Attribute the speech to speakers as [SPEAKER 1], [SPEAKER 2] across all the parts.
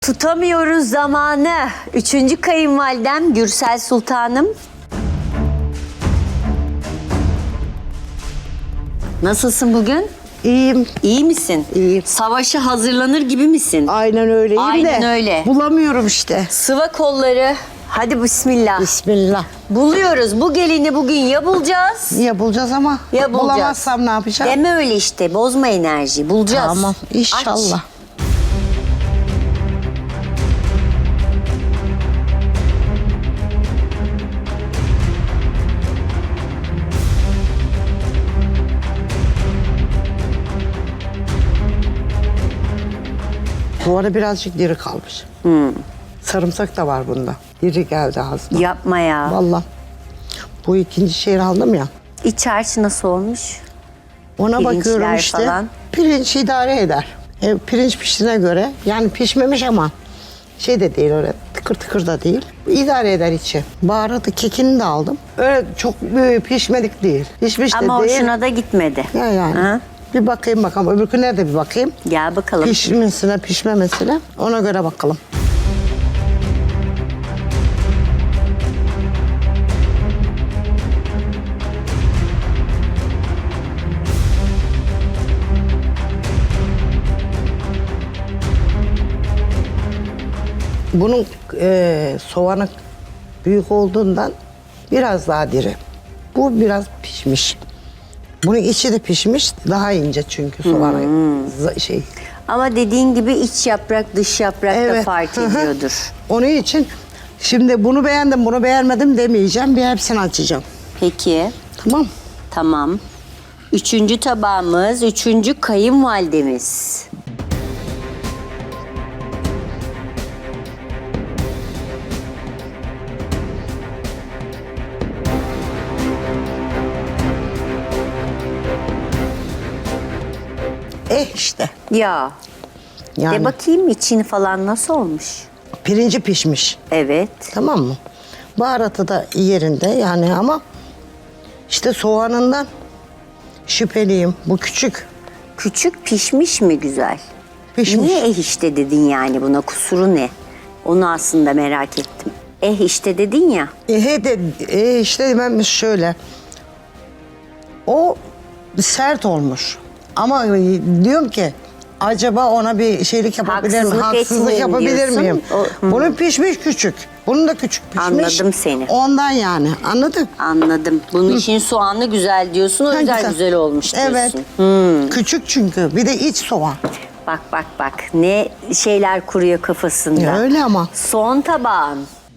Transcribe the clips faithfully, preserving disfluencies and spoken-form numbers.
[SPEAKER 1] Tutamıyoruz zamanı. Üçüncü kayınvalidem Gürsel Sultanım. Nasılsın bugün?
[SPEAKER 2] İyiyim.
[SPEAKER 1] İyi misin?
[SPEAKER 2] İyiyim.
[SPEAKER 1] Savaşa hazırlanır gibi misin?
[SPEAKER 2] Aynen öyleyim
[SPEAKER 1] Aynen
[SPEAKER 2] de.
[SPEAKER 1] öyle.
[SPEAKER 2] Bulamıyorum işte.
[SPEAKER 1] Sıva kolları. Hadi bismillah.
[SPEAKER 2] Bismillah.
[SPEAKER 1] Buluyoruz. Bu gelini bugün ya bulacağız
[SPEAKER 2] Ya bulacağız ama
[SPEAKER 1] ya bulacağız.
[SPEAKER 2] bulamazsam ne yapacağım?
[SPEAKER 1] Deme öyle işte. Bozma enerji. Bulacağız.
[SPEAKER 2] Tamam inşallah.
[SPEAKER 1] Aç.
[SPEAKER 2] Bu arada birazcık diri kalmış.
[SPEAKER 1] Hmm.
[SPEAKER 2] Sarımsak da var bunda. Diri geldi ağzıma.
[SPEAKER 1] Yapma ya.
[SPEAKER 2] Vallahi. Bu ikinci şeyi aldım ya.
[SPEAKER 1] İç harcı nasıl olmuş?
[SPEAKER 2] Ona
[SPEAKER 1] Pirinçler
[SPEAKER 2] bakıyorum işte.
[SPEAKER 1] falan.
[SPEAKER 2] Pirinç idare eder. E, pirinç piştiğine göre yani pişmemiş ama şey de değil öyle tıkır tıkır da değil. İdare eder içi. Baharatı kekini de aldım. Öyle çok e, pişmedik değil. Pişmiş de
[SPEAKER 1] Ama
[SPEAKER 2] değil.
[SPEAKER 1] hoşuna da gitmedi.
[SPEAKER 2] Ya yani.
[SPEAKER 1] Ha?
[SPEAKER 2] Bir bakayım bakalım. Öbürküne de bir bakayım.
[SPEAKER 1] Gel bakalım.
[SPEAKER 2] Pişmesine pişmemesine ona göre bakalım. Bunun e, soğanı büyük olduğundan biraz daha diri. Bu biraz pişmiş. Bunun içi de pişmiş, daha ince çünkü soğanı za- şey.
[SPEAKER 1] Ama dediğin gibi iç yaprak dış yaprak da
[SPEAKER 2] Evet.
[SPEAKER 1] fark
[SPEAKER 2] Hı hı.
[SPEAKER 1] ediyordur.
[SPEAKER 2] Onun için şimdi bunu beğendim, bunu beğenmedim demeyeceğim. Bir hepsini açacağım.
[SPEAKER 1] Peki,
[SPEAKER 2] Tamam.
[SPEAKER 1] tamam. Üçüncü tabağımız, üçüncü kayınvalidemiz.
[SPEAKER 2] Eh işte.
[SPEAKER 1] Ya,
[SPEAKER 2] Yani
[SPEAKER 1] de bakayım içini falan nasıl olmuş?
[SPEAKER 2] pirinci pişmiş.
[SPEAKER 1] Evet.
[SPEAKER 2] Tamam mı? Baharatı da yerinde yani ama işte soğanından şüpheliyim. Bu küçük.
[SPEAKER 1] Küçük pişmiş mi güzel?
[SPEAKER 2] Pişmiş.
[SPEAKER 1] Niye eh işte dedin yani buna? Kusuru ne? Onu aslında merak ettim. Eh işte dedin ya.
[SPEAKER 2] E, he de e, işte ben şöyle. O sert olmuş. Ama e, diyorum ki acaba ona bir şeylik yapabilir miyim?
[SPEAKER 1] Haksızlık
[SPEAKER 2] Haksızlık
[SPEAKER 1] etmeyeyim
[SPEAKER 2] yapabilir
[SPEAKER 1] diyorsun.
[SPEAKER 2] miyim?
[SPEAKER 1] O- hı.
[SPEAKER 2] Bunun pişmiş küçük. Bunun da küçük pişmiş.
[SPEAKER 1] Anladım seni.
[SPEAKER 2] Ondan yani. Anladın?
[SPEAKER 1] Anladım. Bunun için soğanlı güzel diyorsun. O
[SPEAKER 2] Ha,
[SPEAKER 1] yüzden
[SPEAKER 2] güzel.
[SPEAKER 1] güzel olmuş diyorsun.
[SPEAKER 2] Evet. Küçük çünkü. Bir de iç soğan.
[SPEAKER 1] Bak bak bak. Ne şeyler kuruyor kafasında.
[SPEAKER 2] Ya öyle ama.
[SPEAKER 1] Son tabağın.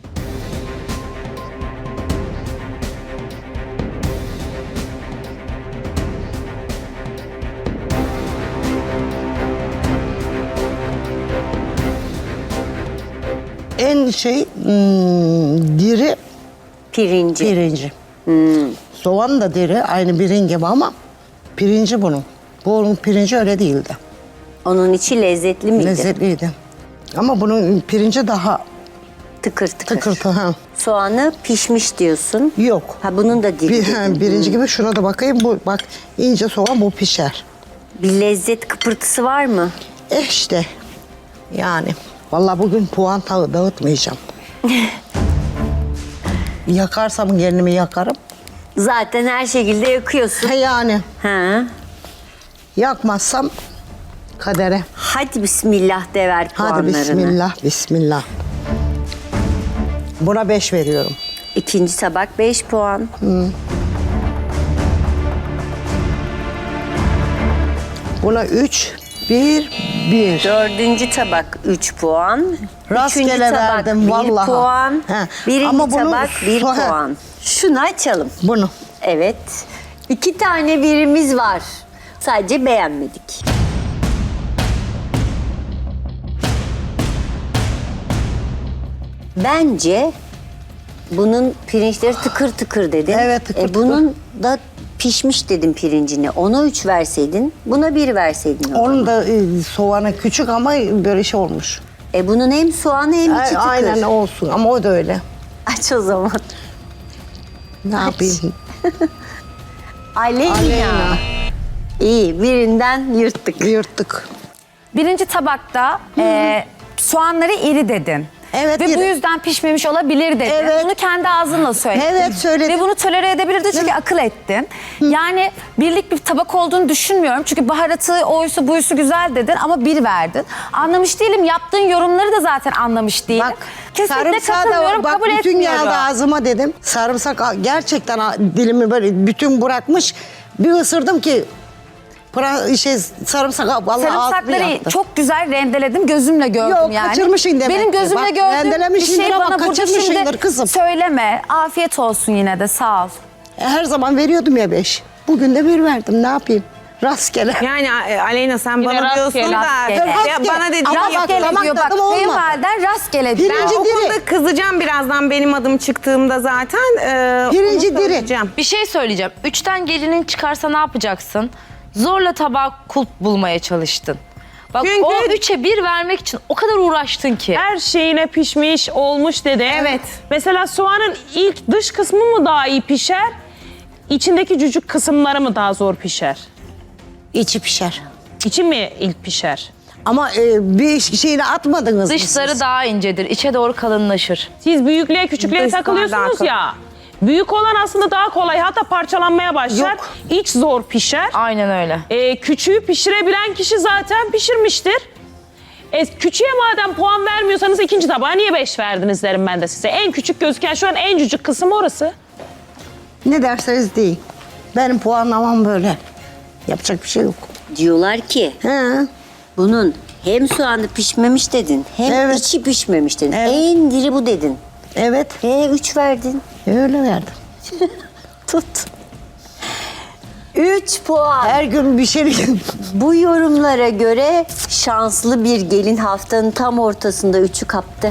[SPEAKER 2] En şey hmm, diri
[SPEAKER 1] Pirinci.
[SPEAKER 2] pirinci. Soğan da diri aynı birin gibi ama pirinci bunun. Bunun pirinci öyle değildi.
[SPEAKER 1] Onun içi lezzetli miydi?
[SPEAKER 2] Lezzetliydi. Ama bunun pirinci daha
[SPEAKER 1] Tıkır tıkır.
[SPEAKER 2] tıkırtı. Ha.
[SPEAKER 1] Soğanı pişmiş diyorsun.
[SPEAKER 2] Yok.
[SPEAKER 1] Ha bunun da diri.
[SPEAKER 2] Bir,
[SPEAKER 1] dedin.
[SPEAKER 2] ha, birinci gibi şuna da bakayım. Bu bak ince soğan bu pişer.
[SPEAKER 1] Bir lezzet kıpırtısı var mı?
[SPEAKER 2] Eh işte. Yani. Vallahi bugün puan ta- dağıtmayacağım. Yakarsam kendimi yakarım.
[SPEAKER 1] Zaten her şekilde yakıyorsun.
[SPEAKER 2] Ha yani.
[SPEAKER 1] Ha.
[SPEAKER 2] Yakmazsam kadere.
[SPEAKER 1] Hadi bismillah de ver
[SPEAKER 2] Hadi
[SPEAKER 1] puanlarını.
[SPEAKER 2] bismillah, bismillah. Buna beş veriyorum.
[SPEAKER 1] İkinci tabak beş puan.
[SPEAKER 2] Buna üç, bir, bir.
[SPEAKER 1] Dördüncü tabak üç puan.
[SPEAKER 2] Rastgele
[SPEAKER 1] Üçüncü tabak
[SPEAKER 2] verdim
[SPEAKER 1] bir
[SPEAKER 2] vallahi.
[SPEAKER 1] puan.
[SPEAKER 2] He.
[SPEAKER 1] Birinci
[SPEAKER 2] Ama bunu
[SPEAKER 1] tabak bir
[SPEAKER 2] so- he.
[SPEAKER 1] puan. Şunu açalım.
[SPEAKER 2] Bunu.
[SPEAKER 1] Evet. İki tane birimiz var. Sadece beğenmedik. Bence bunun pirinçleri tıkır tıkır dedin.
[SPEAKER 2] Evet, tıkır
[SPEAKER 1] e,
[SPEAKER 2] tıkır.
[SPEAKER 1] Bunun da pişmiş dedin pirincini. Ona üç verseydin, buna bir verseydin. o zaman.
[SPEAKER 2] Onun da e, soğanı küçük ama böyle şey olmuş.
[SPEAKER 1] E bunun hem soğanı hem içi
[SPEAKER 2] A-
[SPEAKER 1] tıkır.
[SPEAKER 2] Aynen olsun ama o da öyle.
[SPEAKER 1] Aç o zaman.
[SPEAKER 2] Ne yapayım?
[SPEAKER 1] Aleyna.
[SPEAKER 2] Aleyna.
[SPEAKER 1] İyi, birinden yırttık.
[SPEAKER 2] Yırttık.
[SPEAKER 3] Birinci tabakta e, soğanları iri dedin.
[SPEAKER 2] Evet,
[SPEAKER 3] Ve
[SPEAKER 2] iri.
[SPEAKER 3] bu yüzden pişmemiş olabilir dedin.
[SPEAKER 2] Evet.
[SPEAKER 3] Bunu kendi ağzınla söyledin.
[SPEAKER 2] Evet, söyledim.
[SPEAKER 3] Ve bunu tolere edebilirdin çünkü akıl ettin. Yani birlik bir tabak olduğunu düşünmüyorum. Çünkü baharatı, oysu, buyusu güzel dedin ama bir verdin. Anlamış değilim. Yaptığın yorumları da zaten anlamış değilim.
[SPEAKER 2] Bak
[SPEAKER 3] Kesinlikle
[SPEAKER 2] sarımsağı
[SPEAKER 3] katılmıyorum,
[SPEAKER 2] da bak
[SPEAKER 3] kabul
[SPEAKER 2] bütün
[SPEAKER 3] etmiyorum.
[SPEAKER 2] geldi ağzıma dedim. Sarımsak gerçekten dilimi böyle bütün bırakmış. Bir ısırdım ki pra, şey sarımsak vallahi ağzımı
[SPEAKER 3] Sarımsakları
[SPEAKER 2] yaktı.
[SPEAKER 3] çok güzel rendeledim. Gözümle gördüm
[SPEAKER 2] Yok,
[SPEAKER 3] yani.
[SPEAKER 2] kaçırmışsın demek
[SPEAKER 3] Benim
[SPEAKER 2] ki.
[SPEAKER 3] gözümle
[SPEAKER 2] Bak,
[SPEAKER 3] gördüğüm bir
[SPEAKER 2] rendelemişsindir
[SPEAKER 3] şey
[SPEAKER 2] ama
[SPEAKER 3] bana burada
[SPEAKER 2] kaçırmışsındır
[SPEAKER 3] şimdi
[SPEAKER 2] kızım.
[SPEAKER 3] söyleme. Afiyet olsun yine de sağ ol.
[SPEAKER 2] Her zaman veriyordum ya beş. Bugün de bir verdim ne yapayım? Rastgele.
[SPEAKER 4] Yani e, Aleyna sen
[SPEAKER 5] Yine
[SPEAKER 4] bana
[SPEAKER 5] rastgele,
[SPEAKER 4] diyorsun da
[SPEAKER 3] rastgele.
[SPEAKER 4] ya
[SPEAKER 2] Rastgele.
[SPEAKER 4] bana dediğin
[SPEAKER 2] Ama
[SPEAKER 4] yapıyor.
[SPEAKER 2] bak,
[SPEAKER 3] Rastgele
[SPEAKER 2] damak
[SPEAKER 3] diyor bak.
[SPEAKER 2] tadım olmadı.
[SPEAKER 3] Kayınvaliden rastgele diyor.
[SPEAKER 2] Pirinci
[SPEAKER 4] O
[SPEAKER 2] diri.
[SPEAKER 4] konuda kızacağım birazdan benim adım çıktığımda zaten. E,
[SPEAKER 2] Pirinci
[SPEAKER 4] onu
[SPEAKER 2] diri.
[SPEAKER 4] söyleyeceğim.
[SPEAKER 5] Bir şey söyleyeceğim. Üçten gelinin çıkarsa ne yapacaksın? Zorla tabağa kulp bulmaya çalıştın. Bak
[SPEAKER 4] Çünkü-
[SPEAKER 5] o üçe bir vermek için o kadar uğraştın ki.
[SPEAKER 6] Her şeyine pişmiş, olmuş dedi.
[SPEAKER 4] Evet.
[SPEAKER 6] Mesela soğanın ilk dış kısmı mı daha iyi pişer? İçindeki cücük kısımları mı daha zor pişer?
[SPEAKER 2] İçi pişer.
[SPEAKER 6] İçi mi ilk pişer?
[SPEAKER 2] Ama e, bir şeyini atmadınız mı
[SPEAKER 5] Dışları
[SPEAKER 2] siz?
[SPEAKER 5] daha incedir. İçe doğru kalınlaşır.
[SPEAKER 6] Siz büyüklüğe küçüklüğe
[SPEAKER 4] Dışlar
[SPEAKER 6] takılıyorsunuz
[SPEAKER 4] daha
[SPEAKER 6] ya. Büyük olan aslında daha kolay, hatta parçalanmaya başlar.
[SPEAKER 2] Yok.
[SPEAKER 6] İç zor pişer.
[SPEAKER 5] Aynen öyle.
[SPEAKER 6] Ee, küçüğü pişirebilen kişi zaten pişirmiştir. E, küçüğe madem puan vermiyorsanız ikinci tabağa niye beş verdiniz derim ben de size. En küçük gözüken şu an en cücük kısım orası.
[SPEAKER 2] Ne derseniz deyin. Benim puanlamam böyle. Yapacak bir şey yok.
[SPEAKER 1] Diyorlar ki
[SPEAKER 2] He.
[SPEAKER 1] bunun hem soğanı pişmemiş dedin hem
[SPEAKER 2] Evet.
[SPEAKER 1] içi pişmemiş dedin.
[SPEAKER 2] Evet.
[SPEAKER 1] En diri bu dedin.
[SPEAKER 2] Evet.
[SPEAKER 1] He üç verdin.
[SPEAKER 2] Öyle verdim.
[SPEAKER 1] Tut. Üç puan.
[SPEAKER 2] Her gün bir şey...
[SPEAKER 1] Bu yorumlara göre şanslı bir gelin haftanın tam ortasında üçü kaptı.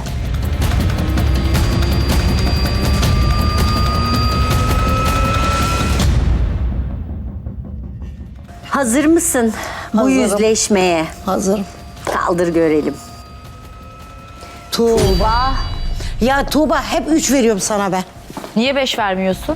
[SPEAKER 1] Hazır mısın bu
[SPEAKER 2] Hazırım.
[SPEAKER 1] yüzleşmeye?
[SPEAKER 2] Hazırım.
[SPEAKER 1] Kaldır görelim.
[SPEAKER 2] Tuğba. Ya Tuğba hep üç veriyorum sana ben.
[SPEAKER 5] Niye beş vermiyorsun?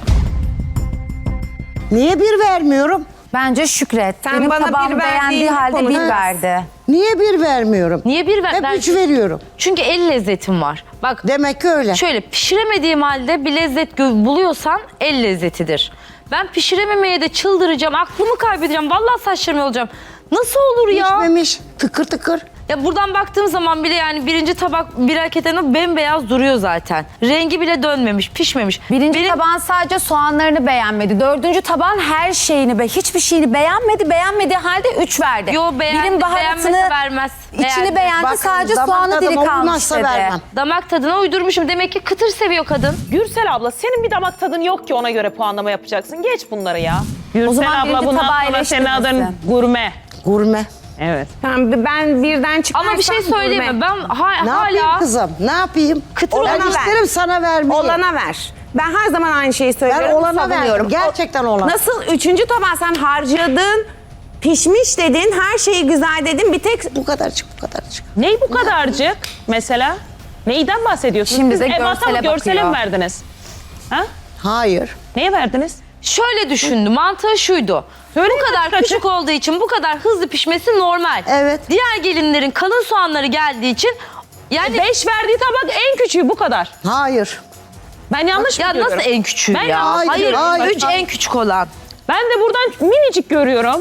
[SPEAKER 2] Niye bir vermiyorum?
[SPEAKER 3] Bence şükret.
[SPEAKER 4] Sen
[SPEAKER 3] Benim
[SPEAKER 4] bana bir
[SPEAKER 3] tabağımı
[SPEAKER 4] verdiğin
[SPEAKER 3] beğendiği halde
[SPEAKER 4] konu-
[SPEAKER 3] bir
[SPEAKER 4] Evet.
[SPEAKER 3] verdi.
[SPEAKER 2] Niye bir vermiyorum?
[SPEAKER 5] Niye bir ver?
[SPEAKER 2] Hep
[SPEAKER 5] ben-
[SPEAKER 2] üç veriyorum.
[SPEAKER 5] Çünkü el lezzetim var. Bak
[SPEAKER 2] Demek ki öyle.
[SPEAKER 5] şöyle pişiremediğim halde bir lezzet gö- buluyorsan el lezzetidir. Ben pişirememeye de çıldıracağım, aklımı kaybedeceğim. Vallahi saçlarım olacağım. Nasıl olur ya?
[SPEAKER 2] Pişmemiş. Tıkır tıkır.
[SPEAKER 5] Ya buradan baktığım zaman bile yani birinci tabak bir hareketinde bembeyaz duruyor zaten. Rengi bile dönmemiş, pişmemiş.
[SPEAKER 3] Birinci
[SPEAKER 5] Benim-
[SPEAKER 3] tabağın sadece soğanlarını beğenmedi. Dördüncü tabağın her şeyini, be, hiçbir şeyini beğenmedi. Beğenmediği halde üç verdi.
[SPEAKER 5] Yo beğen,
[SPEAKER 3] Birim baharatını,
[SPEAKER 5] beğenmese vermez.
[SPEAKER 3] içini
[SPEAKER 5] Beğendi.
[SPEAKER 3] beğendi,
[SPEAKER 2] Bakın,
[SPEAKER 3] sadece
[SPEAKER 2] damak
[SPEAKER 3] soğanı diri
[SPEAKER 2] tadıma
[SPEAKER 3] kalmış
[SPEAKER 2] uymazsa
[SPEAKER 3] dedi.
[SPEAKER 2] vermem.
[SPEAKER 5] Damak tadına uydurmuşum. Demek ki kıtır seviyor kadın.
[SPEAKER 6] Gürsel abla senin bir damak tadın yok ki ona göre puanlama yapacaksın. Geç bunları ya. Gürsel
[SPEAKER 3] zaman
[SPEAKER 6] abla
[SPEAKER 3] birinci
[SPEAKER 6] bundan
[SPEAKER 3] tabağı
[SPEAKER 6] sonra senin adın
[SPEAKER 3] eleştirmesin.
[SPEAKER 6] gurme.
[SPEAKER 2] Gurme.
[SPEAKER 6] Evet.
[SPEAKER 4] Ben, ben birden çıkarsam
[SPEAKER 5] Ama bir şey söyleyeyim mi?
[SPEAKER 4] gurme.
[SPEAKER 5] Ben ha-
[SPEAKER 2] Ne
[SPEAKER 5] hala
[SPEAKER 2] yapayım kızım? Ne yapayım?
[SPEAKER 5] Kıtır
[SPEAKER 2] ben
[SPEAKER 4] olana ver.
[SPEAKER 2] isterim sana vermeyi.
[SPEAKER 4] Olana ver. Ben her zaman aynı şeyi söylüyorum.
[SPEAKER 2] Ben olana
[SPEAKER 4] savunuyorum.
[SPEAKER 2] verdim. Gerçekten olana.
[SPEAKER 4] Nasıl üçüncü tabağı sen harcadın, pişmiş dedin, her şeyi güzel dedin. Bir tek
[SPEAKER 2] Bu kadarcık bu kadarcık.
[SPEAKER 6] Ney bu kadarcık mesela? Neyden bahsediyorsunuz?
[SPEAKER 3] Şimdi
[SPEAKER 6] Siz
[SPEAKER 3] de
[SPEAKER 6] ebata mı,
[SPEAKER 3] görsele
[SPEAKER 6] görsele mi
[SPEAKER 3] bakıyor.
[SPEAKER 6] verdiniz? Ha?
[SPEAKER 2] Hayır.
[SPEAKER 6] Neye verdiniz?
[SPEAKER 5] şöyle düşündü. Mantığı şuydu.
[SPEAKER 6] Söyle
[SPEAKER 5] bu kadar
[SPEAKER 6] kaç-
[SPEAKER 5] küçük olduğu için bu kadar hızlı pişmesi normal.
[SPEAKER 2] Evet.
[SPEAKER 5] Diğer gelinlerin kalın soğanları geldiği için yani
[SPEAKER 6] Beş verdiği tabak en küçüğü bu kadar.
[SPEAKER 2] Hayır.
[SPEAKER 6] Ben yanlış mı
[SPEAKER 5] ya
[SPEAKER 6] görüyorum?
[SPEAKER 5] nasıl en küçüğü
[SPEAKER 6] Ben
[SPEAKER 5] ya?
[SPEAKER 6] yanlış
[SPEAKER 5] Hayır,
[SPEAKER 6] görüyorum.
[SPEAKER 2] hayır,
[SPEAKER 5] üç
[SPEAKER 2] hayır.
[SPEAKER 5] en küçük olan.
[SPEAKER 6] Ben de buradan minicik görüyorum.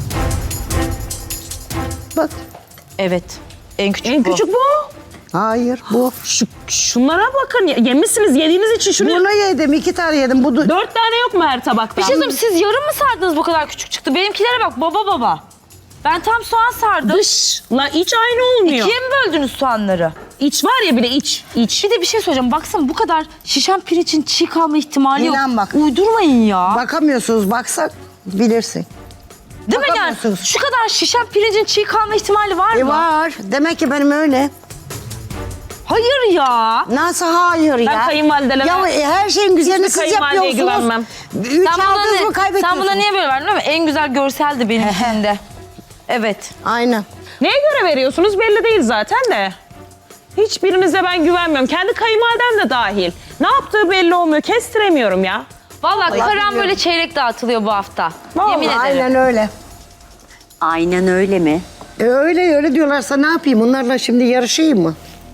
[SPEAKER 2] Bak.
[SPEAKER 5] Evet. En küçük
[SPEAKER 6] En
[SPEAKER 5] bu.
[SPEAKER 6] küçük bu.
[SPEAKER 2] Hayır bu.
[SPEAKER 6] Şu, şunlara bakın. ya- Yemişsiniz, yediğiniz için şunu...
[SPEAKER 2] Bunu yedim. iki tane yedim. Bu da-
[SPEAKER 6] Dört tane yok mu her tabakta?
[SPEAKER 5] Bir şey söyleyeyim, siz yarım mı sardınız bu kadar küçük çıktı? Benimkilere bak baba baba. Ben tam soğan sardım.
[SPEAKER 6] Dışla iç aynı olmuyor.
[SPEAKER 5] İkiye mi böldünüz soğanları?
[SPEAKER 6] İç var ya bir de iç. iç.
[SPEAKER 5] Bir de bir şey söyleyeceğim. Baksana bu kadar şişen pirinçin çiğ kalma ihtimali yok.
[SPEAKER 2] İnan bak.
[SPEAKER 5] Uydurmayın ya.
[SPEAKER 2] Bakamıyorsunuz. Baksak bilirsin.
[SPEAKER 5] Değil mi yani?
[SPEAKER 2] bakamıyorsunuz.
[SPEAKER 5] Şu kadar şişen pirincin çiğ kalma ihtimali var
[SPEAKER 2] E
[SPEAKER 5] mı?
[SPEAKER 2] var. Demek ki benim öyle.
[SPEAKER 5] Hayır ya.
[SPEAKER 2] Nasıl hayır ya?
[SPEAKER 6] Ben kayınvalidelere...
[SPEAKER 2] Ya e, her şeyin güzelini
[SPEAKER 6] Hiçbir
[SPEAKER 2] siz
[SPEAKER 6] kayınvalideye
[SPEAKER 2] yapıyorsunuz.
[SPEAKER 6] güvenmem.
[SPEAKER 2] Üç
[SPEAKER 5] Sen buna,
[SPEAKER 2] aldınız mı
[SPEAKER 5] ne, sen
[SPEAKER 2] kaybediyorsunuz?
[SPEAKER 5] buna niye böyle verdin değil mi? En güzel görseldi benim içimde. Evet.
[SPEAKER 2] Aynen.
[SPEAKER 6] Neye göre veriyorsunuz belli değil zaten de. Hiçbirinize ben güvenmiyorum. Kendi kayınvalidem de dahil. Ne yaptığı belli olmuyor. Kestiremiyorum ya.
[SPEAKER 5] Vallahi karan böyle çeyrek dağıtılıyor bu hafta.
[SPEAKER 6] Vallahi
[SPEAKER 5] Yemin ederim.
[SPEAKER 2] Aynen öyle.
[SPEAKER 1] Aynen öyle mi?
[SPEAKER 2] E öyle öyle diyorlarsa ne yapayım? Onlarla şimdi yarışayım mı?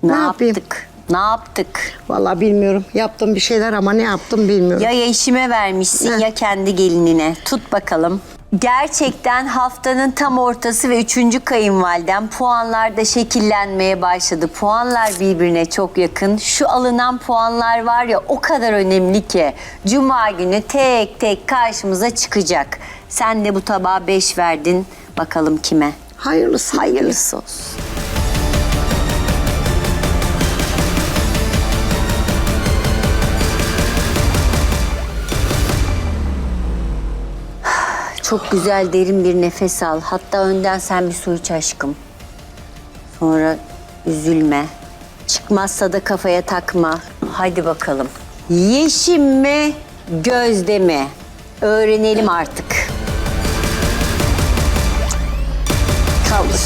[SPEAKER 1] Ne,
[SPEAKER 2] Ne yapayım?
[SPEAKER 1] yaptık? Ne yaptık?
[SPEAKER 2] Vallahi bilmiyorum. Yaptım bir şeyler ama ne yaptım bilmiyorum.
[SPEAKER 1] Ya eşime vermişsin
[SPEAKER 2] Heh.
[SPEAKER 1] ya kendi gelinine. Tut bakalım. Gerçekten haftanın tam ortası ve üçüncü kayınvaliden puanlarda şekillenmeye başladı. Puanlar birbirine çok yakın. Şu alınan puanlar var ya o kadar önemli ki. Cuma günü tek tek karşımıza çıkacak. Sen de bu tabağa beş verdin. Bakalım kime?
[SPEAKER 2] Hayırlısı.
[SPEAKER 1] Hayırlısı olsun. Çok güzel derin bir nefes al. Hatta önden sen bir su iç aşkım. Sonra üzülme. Çıkmazsa da kafaya takma. Hadi bakalım. Yeşim mi, Gözde mi? Öğrenelim artık. Kaldır.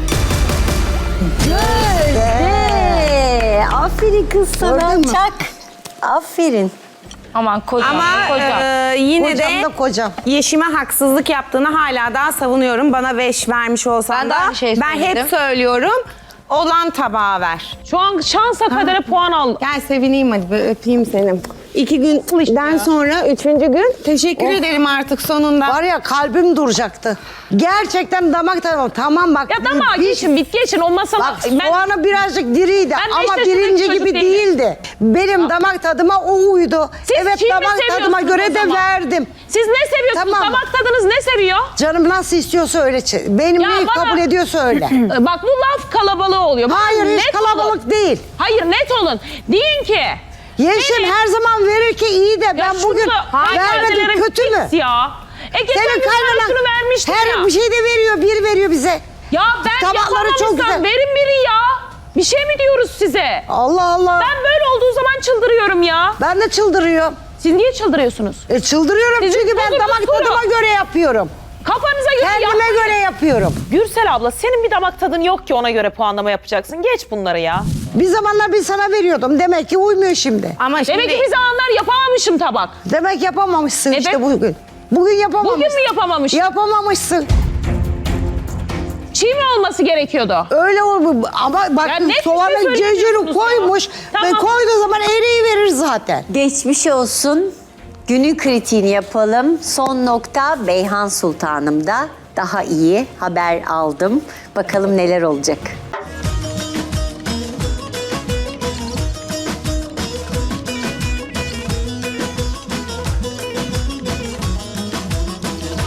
[SPEAKER 1] Gözde! Aferin kız sana.
[SPEAKER 2] Gördün mü?
[SPEAKER 1] Çak. Aferin.
[SPEAKER 5] Aman kocam,
[SPEAKER 4] Ama
[SPEAKER 5] kocam.
[SPEAKER 4] e, yine
[SPEAKER 2] Kocam
[SPEAKER 4] de
[SPEAKER 2] da kocam.
[SPEAKER 4] Yeşim'e haksızlık yaptığını hala daha savunuyorum. Bana beş vermiş olsan
[SPEAKER 5] Ben de
[SPEAKER 4] da
[SPEAKER 5] aynı şeyi
[SPEAKER 4] ben hep
[SPEAKER 5] söyledim.
[SPEAKER 4] söylüyorum. Olan tabağa ver.
[SPEAKER 6] Şu an şansa kadere puan al.
[SPEAKER 4] Gel sevineyim hadi bir öpeyim seni. İki günden sonra üçüncü gün teşekkür ederim artık sonunda.
[SPEAKER 2] Var ya kalbim duracaktı. Gerçekten damak tadım. Tamam bak.
[SPEAKER 6] Ya tamam
[SPEAKER 2] bir-
[SPEAKER 6] geçin bit geçin o masala.
[SPEAKER 2] Bak
[SPEAKER 6] Ben,
[SPEAKER 2] soğanı birazcık diriydi
[SPEAKER 6] Ben beş
[SPEAKER 2] ama
[SPEAKER 6] yaşındaki
[SPEAKER 2] birinci
[SPEAKER 6] çocuk
[SPEAKER 2] gibi
[SPEAKER 6] değilim.
[SPEAKER 2] değildi. Benim damak tadıma o uydu.
[SPEAKER 6] Siz
[SPEAKER 2] evet
[SPEAKER 6] kimi
[SPEAKER 2] damak tadıma
[SPEAKER 6] seviyorsunuz
[SPEAKER 2] göre
[SPEAKER 6] o
[SPEAKER 2] de
[SPEAKER 6] zaman?
[SPEAKER 2] verdim.
[SPEAKER 6] siz ne seviyorsunuz?
[SPEAKER 2] Tamam.
[SPEAKER 6] Damak tadınız ne seviyor?
[SPEAKER 2] Canım nasıl istiyorsa öyle. çe- Benim
[SPEAKER 6] Ya
[SPEAKER 2] neyi
[SPEAKER 6] bana-
[SPEAKER 2] kabul ediyorsa öyle.
[SPEAKER 6] Bak bu laf kalabalığı oluyor. Bak,
[SPEAKER 2] Hayır hiç
[SPEAKER 6] net
[SPEAKER 2] kalabalık
[SPEAKER 6] olun.
[SPEAKER 2] değil.
[SPEAKER 6] Hayır net olun. Deyin ki.
[SPEAKER 2] Yeşim
[SPEAKER 6] benim-
[SPEAKER 2] her zaman verir ki iyi de
[SPEAKER 6] Ya
[SPEAKER 2] ben
[SPEAKER 6] şunu
[SPEAKER 2] bugün
[SPEAKER 6] da-
[SPEAKER 2] vermedim
[SPEAKER 6] kayınvalidelerin
[SPEAKER 2] kötü mü?
[SPEAKER 6] pis Ya. E geçen
[SPEAKER 2] Senin
[SPEAKER 6] gün
[SPEAKER 2] kaynanan
[SPEAKER 6] şunu vermiştin
[SPEAKER 2] her
[SPEAKER 6] ya.
[SPEAKER 2] bir şey de veriyor, bir veriyor bize.
[SPEAKER 6] Ya ben
[SPEAKER 2] Tabakları çok
[SPEAKER 6] yapamamışsam
[SPEAKER 2] güzel.
[SPEAKER 6] verin biri ya. Bir şey mi diyoruz size?
[SPEAKER 2] Allah Allah.
[SPEAKER 6] Ben böyle olduğu zaman çıldırıyorum ya.
[SPEAKER 2] Ben de çıldırıyorum.
[SPEAKER 6] Siz niye çıldırıyorsunuz?
[SPEAKER 2] E çıldırıyorum
[SPEAKER 6] Sizin
[SPEAKER 2] çünkü ben
[SPEAKER 6] sorunuz
[SPEAKER 2] damak
[SPEAKER 6] soru.
[SPEAKER 2] tadıma göre yapıyorum.
[SPEAKER 6] Kafanıza göre
[SPEAKER 2] Kendime
[SPEAKER 6] yapmayın.
[SPEAKER 2] göre yapıyorum.
[SPEAKER 6] Gürsel abla senin bir damak tadın yok ki ona göre puanlama yapacaksın. Geç bunları ya.
[SPEAKER 2] Bir zamanlar bir sana veriyordum. Demek ki uymuyor şimdi.
[SPEAKER 4] Ama şimdi
[SPEAKER 6] Demek ki bir zamanlar yapamamışım tabak.
[SPEAKER 2] Demek yapamamışsın
[SPEAKER 6] Evet.
[SPEAKER 2] işte bugün. Bugün yapamamışsın.
[SPEAKER 6] Bugün mü yapamamışım?
[SPEAKER 2] Yapamamışsın.
[SPEAKER 6] Çiğ mi olması gerekiyordu?
[SPEAKER 2] Öyle oldu ama bak
[SPEAKER 6] Ya net bir şey
[SPEAKER 2] soğanı
[SPEAKER 6] söylemiyorsunuz
[SPEAKER 2] cecuru
[SPEAKER 6] ya.
[SPEAKER 2] koymuş ve
[SPEAKER 6] Tamam.
[SPEAKER 2] koyduğu zaman eriyi verir zaten.
[SPEAKER 1] Geçmiş olsun. Günün kritiğini yapalım. Son nokta Beyhan Sultanım'da. Daha iyi haber aldım. Bakalım neler olacak.